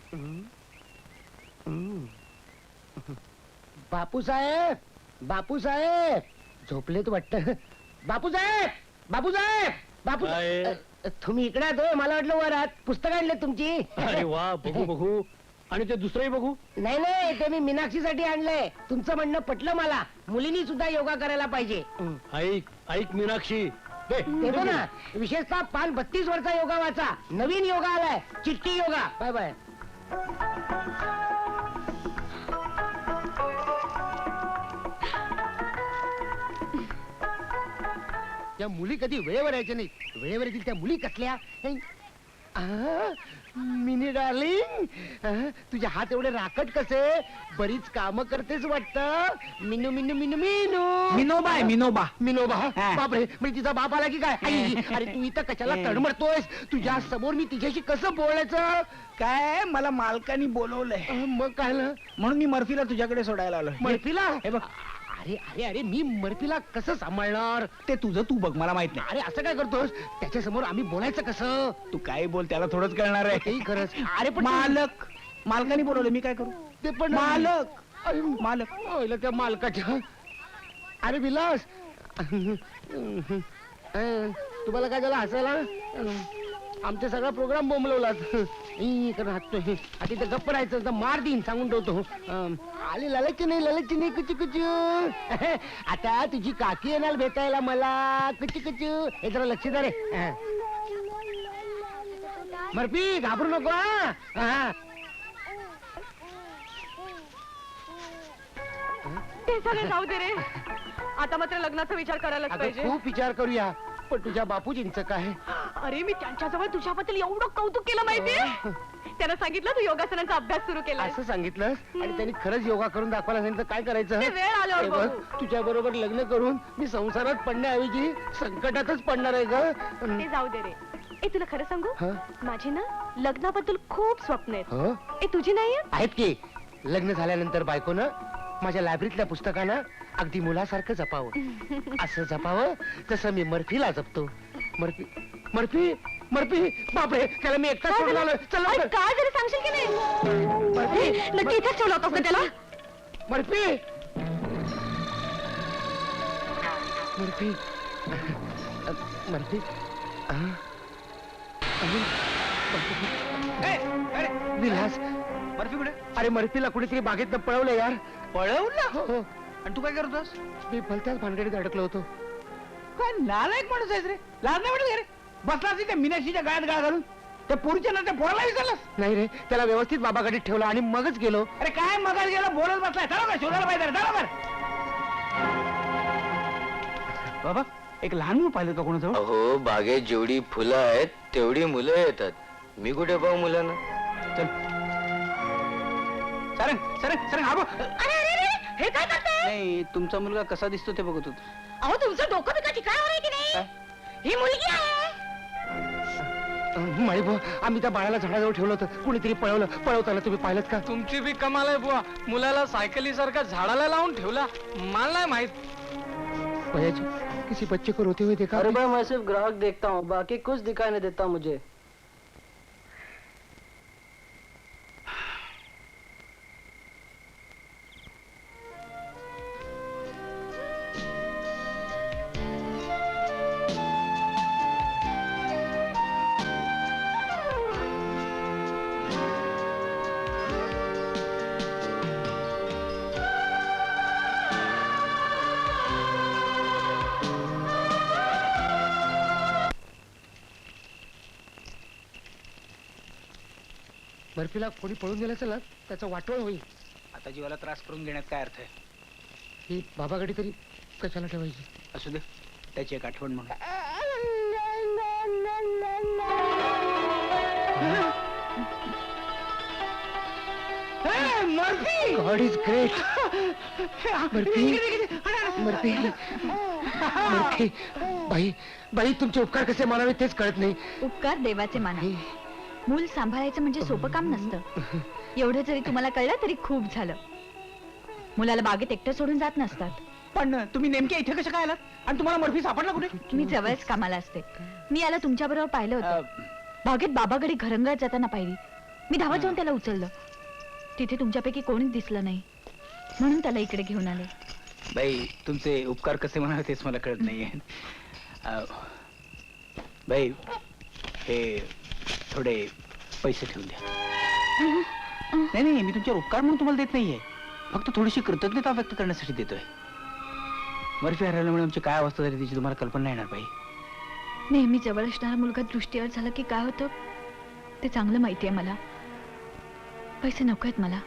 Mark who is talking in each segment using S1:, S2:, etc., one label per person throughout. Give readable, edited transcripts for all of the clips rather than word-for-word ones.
S1: बापूसाहेब, बापूसाहेब झोपलेत वाटत. बापूसाहेब, बापूसाहेब, बापू तुम्ही इकडे आहात होय? मला वाटलं वर आहात. पुस्तक आणले तुमची.
S2: अरे वा, बघू बघू. आणि ते दुसरंही बघू.
S1: नाही नाही, ते मी मीनाक्षीसाठी आणलंय. तुमचं म्हणणं पटलं मला. मुलींनी सुद्धा योगा करायला पाहिजे.
S2: ऐक ऐक मीनाक्षी, दे.
S1: देतो ना. विशेषतः पान 32 वरचा योगा वाचा. नवीन योगा आलाय, चिट्टी योगा. Bye bye. त्या मुली कधी वेळेवर यायच्या नाही. वेळेवर येतील त्या मुली कसल्या. मिनी डार्लिंग, तुझे हात एवढे राकट कसे. बरीच काम करतेस वाटत. मिनू मिनू मिनू मिनू.
S3: मिनोबा आहे मिनोबा.
S1: मिनोबा. बापरे, म्हणजे तिचा बाप आला की काय. आई, अरे तू इथं कशाला तडमडतोयस. तुझ्या समोर मी तिच्याशी कसं बोलायचं.
S3: काय मला मालकानी बोलवलंय.
S1: मग काय
S3: म्हणून मी मर्फीला तुझ्याकडे सोडायला आलोय.
S1: मर्फीला.
S3: हे बघ.
S1: अरे अरे अरे, मी मर्फीला कसं सांभाळणार.
S3: ते तुझं तू बघ, मला माहित नाही.
S1: अरे असं काय करतोस. त्याच्या समोर आम्ही बोलायचं कसं.
S3: तू काय बोल, त्याला थोडंच कळणार आहे.
S1: तेही खरंच. अरे पण
S3: मालक, मालकानी बोलवलं, मी काय करू.
S1: ते पण
S3: मालक.
S1: अरे
S3: मालक.
S1: ओयला त्या मालकाच्या. अरे विलास, तुम्हाला काय झालं हसायला. आमचा सगळा प्रोग्राम बोंबलवला. हातोय तिथे गप्प राहायचं तर मार देईन सांगून ठेवतो. आले ललच नाही कुचू कुचू. आता तुझी काकी येणार भेटायला मला. कुचू कुचू. हे जरा लक्ष द्या रे. मर्फी घाबरू नको. हा
S4: ते सगळं जाऊ दे रे. आता मात्र लग्नाचा विचार करायलाच पाहिजे.
S1: खूप विचार करूया, पण तुझ्या बापूजींचं काय.
S4: अरे मी त्यांच्याजवळ तुझ्याबद्दल एवढं कौतुक केलं माहितीये. त्यांना सांगितलं तू योगासनांचा अभ्यास सुरू केला.
S1: असं सांगितलं आणि त्यांनी खरंच योगा करून दाखवायला सांगितलं. काय करायचं.
S4: ते वेळ आल्यावर बघू.
S1: तुझ्या बरोबर लग्न करून मी संसारात पडण्याऐवजी संकटातच पडणार आहे ग.
S4: ते जाऊ दे रे. ए तुला खरं सांगू,
S1: हं?
S4: माझी ना लग्नाबद्दल खूप स्वप्न आहेत.
S1: हं?
S4: ए तुझी नाही
S1: आहेत की. लग्न झाल्यानंतर बायकोनं माझ्या लायब्ररीतल्या पुस्तकांना अगदी मुलासारखं जपावं. असं जपावं जसं मी मर्फीला जपतो. Murphy Murphy Murphy. बापरे, त्याला मी एकटा सोडून आलोय. चल लवकर.
S4: काय जरी सांगशील की नाही.
S1: मर्फी
S4: नक्की इथेच ठेवला होतास का त्याला.
S1: Murphy Murphy Murphy. Vilas,
S3: Murphy कुठे.
S1: अरे मर्फीला कुठेतरी बागेत पळवलं यार.
S3: पळवलं.
S1: हो.
S3: आणि तू काय करतोस.
S1: मी भलत्याच भानगडीत अडकलो होतो.
S3: काय नालायक माणूस आहेस रे. लाज नाही वाटत रे. बसला असेल त्या मीनाक्षीच्या गळ्यात गळा घालून. त्या पुरीच्या ना त्या पोराला विचारलंस.
S1: नाही रे, त्याला व्यवस्थित बाबाकडे ठेवला आणि मगच गेलो.
S3: अरे काय मगाच गेला बोलत बसलाय. चला काय शोधायला पाहिजे. चला बाबा, एक लहान मुलं पाहिलं का कोणाजवळ.
S5: अहो, बागेत जेवढी फुलं आहेत तेवढी मुलं येतात. मी कुठे पाहू मुलांना.
S3: चल सरंग सरंग सरंग. हा बघ.
S4: हे काय करताय.
S3: नाही, तुमचा मुलगा कसा दिसतो ते बघत होतो.
S4: अहो तुमचं डोकं बिका ठिकाणावर आहे की नाही. ही मुलगी आहे.
S1: माळी भाऊ, आम्ही त्या बाळाला झाडाजवळ ठेवलं होतं. कुणीतरी पळवताना तुम्ही पाहिलं का.
S2: तुमची बी कमाल आहे बुवा. मुलाला सायकली सारखा झाडाला लावून ठेवला. मला नाही माहित.
S1: भैयाजी, किसी बच्चे को रोते हुए देखा.
S6: अरे भाई, मैं सिर्फ ग्राहक देखता हूँ, बाकी कुछ दिखाई नहीं देता मुझे.
S1: बर्फीला कोणी पळून गेलं असेल ना, त्याचा वाटोळ होईल.
S3: आता जीवाला त्रास करून घेण्यात काय अर्थ आहे.
S1: ही बाबाकडे तरी कशाला ठेवायची.
S3: असू दे, त्याची एक आठवण म्हणून. Murphy,
S1: God is great. Murphy Murphy Murphy. बाई बाई, तुमचे उपकार कसे मानावे तेच कळत नाही.
S7: उपकार देवाचे माना. मूल सांभाळायचं म्हणजे सोपं काम नसतं. एवढं जरी तुम्हाला कळलं तरी खूप झालं. मुलाला बागेत एकटं सोडून जात नसतात.
S3: पण तुम्ही नेमक्या इथे कशा काय आलात. आणि तुम्हाला मर्फी सापडला कुठे.
S7: मी जवळच कामाला असते. मी याला तुमच्या बरोबर पाहिलं होतं. बागेत बाबाकडे घरंगळत जाताना पाहिली. मी धावत जाऊन त्याला उचललं. तिथे तुमच्यापैकी कोणीच दिसलं नाही, म्हणून त्याला इकडे घेऊन आले.
S3: बाई, तुमचे उपकार कसे म्हणावे तेच मला कळत नाहीये. बाई, हे थोडे पैसे ठेवून द्या. नाही नाही, मी तुमच्यावर उपकार म्हणून तुम्हाला देत नाहीये, फक्त थोडीशी कृतज्ञता व्यक्त करण्यासाठी देतोय. बर्फी हरवल्यामुळे आमची काय अवस्था झाली त्याची तुम्हाला कल्पना नाही येणार बाई.
S7: नेहमी जवळ असणारा मुलगा दृष्टीवर झाला की काय होतं ते चांगलं माहिती आहे मला. पैसे नको आहेत मला.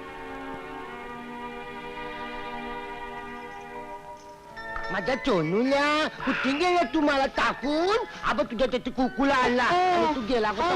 S1: माझ्या चोनूल्या कुठे गेला तू मला टाकून? अब तुझ्या त्याची कुकूला आणला आणि तू गेला का?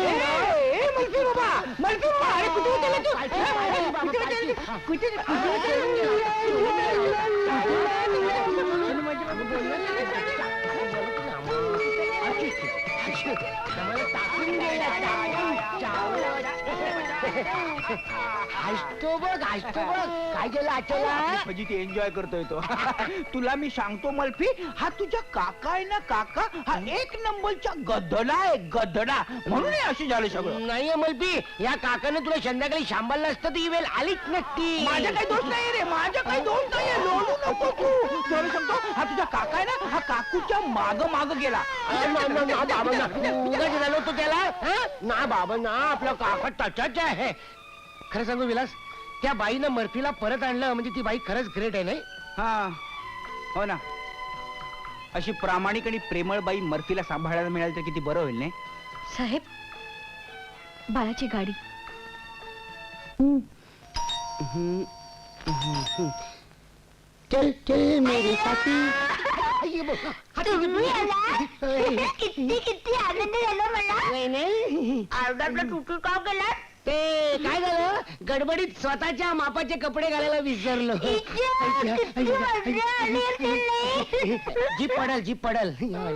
S1: हसतो बघ काय गेलं आचला?
S3: म्हणजे ती एन्जॉय करतोय तो. तुला मी सांगतो मल्फी, हा तुझा काका आहे ना, काका हा एक नंबरचा गधडा आहे, गधडा. म्हणून हे असे झालं सगळं.
S1: नाही अमलपी, या काकाने तुला संध्याकाळी शांबाला नसतं तर ही वेळ आलीच नसती.
S3: माझा काही दोष नाही रे, माझा काही दोष नाहीये. लोळू नको तू. तुला सांगतो, हा तुझा काका आहे ना, हा काकूच्या माग माग गेला.
S1: उगाच झालो तो त्याला. ना बाबा ना, आपला काका टचाच आहे. खरं सांगू विलास, त्या बाईनं मर्फीला परत आणलं म्हणजे ती बाई खरंच ग्रेट आहे. नाही
S3: हा, हो ना. अशी प्रामाणिक आणि प्रेमळ बाई मर्फीला सांभाळायला मिळाली तर किती बरं होईल नाही.
S7: साहेब, बाळाची गाडी.
S1: चल चल मेरे साथी.
S4: किती आनंद झाला मला.
S1: नाही
S4: अर्धा तुटू का गेला.
S1: ते काय झालं, गडबडीत स्वतःच्या मापाचे कपडे घालायला विसरलो. जीप पडल.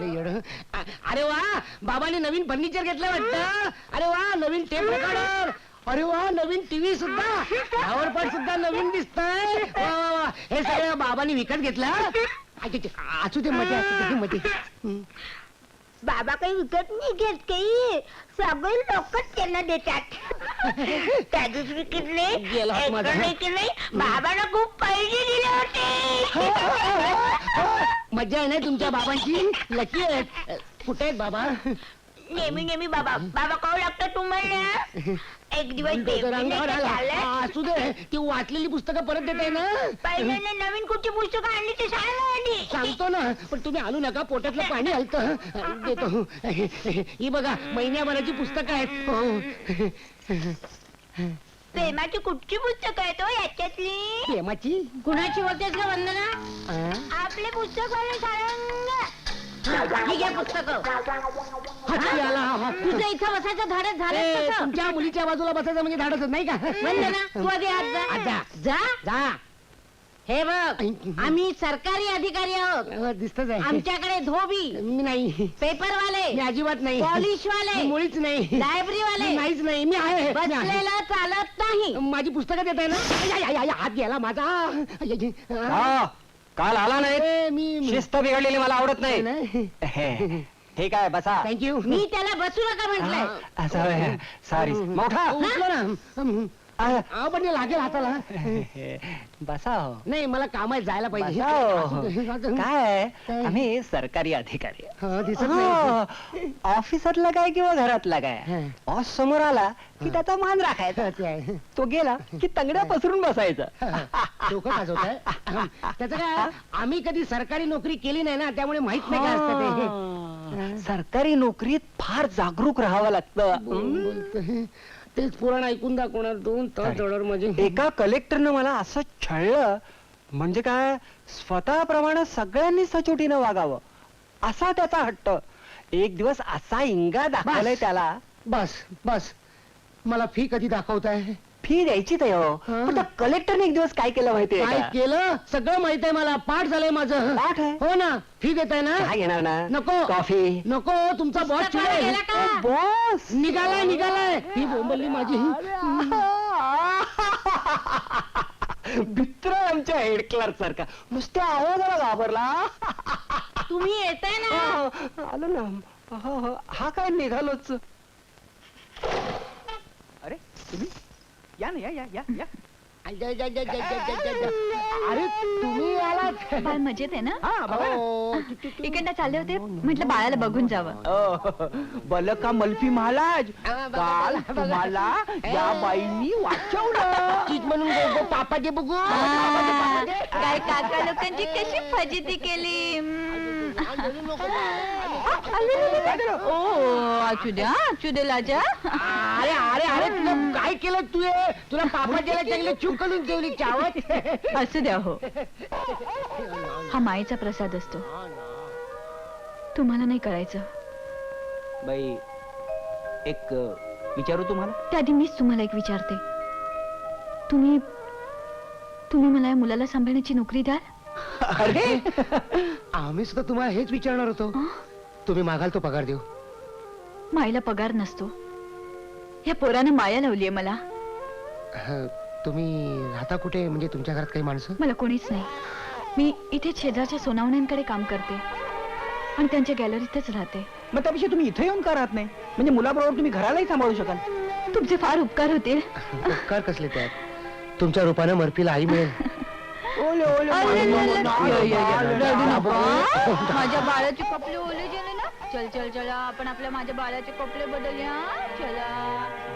S1: अरे वा, बाबांनी नवीन फर्निचर घेतलं वाटतं. अरे वा, नवीन टेप रेकॉर्डर. अरे वा, नवीन टीव्ही सुद्धा, फ्लावर सुद्धा नवीन दिसतंय. वा वा वा, हे सगळं बाबांनी विकत घेतलं. असू दे, मध्ये असू दे मध्ये.
S4: बाबा काही विकत नाही घेत, काही सगळे लोकच त्यांना देतात. त्या दिवशी
S1: गेला हात माझा.
S4: विकले बाबाला खूप पैसे दिले होते.
S1: मजा आहे ना तुमच्या बाबांची. लकी आहेत. कुठे आहेत बाबा?
S4: नेहमी बाबा काव लागतं तुम्हाला. एक दिवस
S1: रंगावर आला. असू दे, ती वाचलेली पुस्तकं परत देताय ना.
S4: पहिल्यांदा नवीन कुठची पुस्तकं आणली ते सांगा.
S1: सांगतो ना, पण तुम्ही आणू नका, पोटातलं पाणी हलतं. देतो. ही बघा, महिन्याभराची पुस्तकं आहेत.
S4: प्रेमाची कुठची पुस्तकं आहेत हो याच्यातली?
S1: प्रेमाची?
S4: कुणाची होतेस का वंदना? आपले पुस्तक वाले सांगा. ही घ्या पुस्तकं.
S1: हाती आला.
S4: तुझं इथं बसायचं धाडस झालं.
S1: तुमच्या मुलीच्या बाजूला बसायचं म्हणजे धाडसच नाही का?
S4: वंदना, तू आधी आत जा.
S1: जा.
S4: जा. हे बघ, आम्ही सरकारी अधिकारी आहोत.
S1: दिसतच आहे.
S4: आमच्याकडे धोबी,
S1: मी नाही.
S4: पेपरवाले,
S1: मी अजिबात नाही.
S4: पॉलिशवाले,
S1: मी मुळीच नाही.
S4: लायब्ररीवाले.
S1: मी नाहीच नाही. मी आहे.
S4: बसलेला चालत नाही.
S1: माझी पुस्तकं देत आहे ना. हात गेला माझा.
S3: काल आला नाही.
S1: मी
S3: शिस्त बिघडलेली मला आवडत नाही.
S1: नाही.
S3: हे काय, बसा.
S1: थँक्यू.
S4: मी त्याला बसू नका म्हटलंय.
S3: सॉरी. मोठा
S1: उठलो ना. पण लागेल हाताला.
S3: बसा हो.
S1: नाही, मला कामात जायला पाहिजे.
S3: काय, आम्ही सरकारी अधिकारी.
S1: दिसत नाही.
S3: ऑफिसातला काय किंवा घरातला काय, बॉस समोर आला की त्याचा मान राखायचा.
S1: ते आहे.
S3: तो गेला की तंगड्या पसरून बसायचं.
S1: डोकं गाजवत आहे. त्याचं काय, आम्ही कधी सरकारी नोकरी केली नाही ना, त्यामुळे माहित नाही काय असतं ते.
S3: सरकारी नोकरीत फार जागरूक राहावं लागतं.
S1: बोलतोय. तेच पुराण ऐकून दाखवणार 2 तास डॉलर म्हणजे.
S3: एका कलेक्टरनं मला असं छळलं, म्हणजे काय, स्वतःप्रमाणे सगळ्यांनी सचोटीनं वागावं असा त्याचा हट्ट. एक दिवस असा इंगा दाखवलाय त्याला.
S1: बस मला फी कधी दाखवताय?
S3: फी द्यायची तर हो. पण त्या कलेक्टरने एक दिवस काय केलं माहितीये
S1: काय
S3: का?
S1: केलं? सगळं माहित आहे मला. पाठ झालंय माझं.
S3: पाठ आहे?
S1: हो ना. फी देताय ना?
S3: काय घेणार ना?
S1: नको.
S3: कॉफी
S1: नको. तुमचा बॉस चिडेल.
S4: गेला का?
S3: बॉस
S1: निघालाय. ही बोंबलली माझी.
S3: मित्र आमच्या हेड क्लर्क सारखा नुसत्या आवाजाला घाबरला.
S4: तुम्ही येताय ना.
S3: आलो ना. हा काय निघालोच. अरे तुम्ही या ना, या या या
S1: अरे तुम्ही आलात
S7: बाळ मजेत आहे ना
S3: हा बघा ना.
S1: ओ,
S7: इकडनं चालले होते म्हटलं बाळाला बघून जावं
S3: बलका मल्फी महाराज काल तुम्हाला या बाईंनी वाचवलं.
S1: चीज म्हणून गो पापाचे बघू
S7: काय काका लोकांची कशी फजिती केली ओ असू द्या लाजा
S1: अरे अरे अरे तुला काय केलं तू हे? तुला पापाच्याला चांगले चूक करून ठेवली चावत
S7: असू द्या हो हा मायेचा प्रसाद असतो तुम्हाला नाही कळायचं
S3: बाई एक विचारू तुम्हाला.
S7: त्याआधी मीच तुम्हाला एक विचारते तुम्ही तुम्ही मला या मुलाला सांभाळण्याची नोकरी द्याल
S3: अरे
S1: आम्ही सुद्धा तुम्हाला हेच विचारणार होतो तुम्ही मागाल तो पगार देऊ
S7: मायला पगार नसतो या पोरानं माया लावलीये मला
S1: तुम्ही राहता कुठे म्हणजे तुमच्या घरात काही माणसं
S7: मला कोणीच नाही मी इथे शेजारच्या सोनावण्यांकडे काम करते आणि त्यांच्या गॅलरीतच राहते
S3: मग त्यापेक्षा तुम्ही इथे येऊन का राहत नाही म्हणजे मुलाबरोबर तुम्ही घरालाही सांभाळू शकाल.
S7: तुमचे फार उपकार होतील
S1: उपकार कसले त्यात तुमच्या रूपानं मर्फीला आई मिळेल
S3: ओले ओले
S7: रडू नका. माझ्या बाळाचे कपडे ओले गेले ना चल चल चला आपण आपल्या माझ्या बाळाचे कपडे बदलूया चला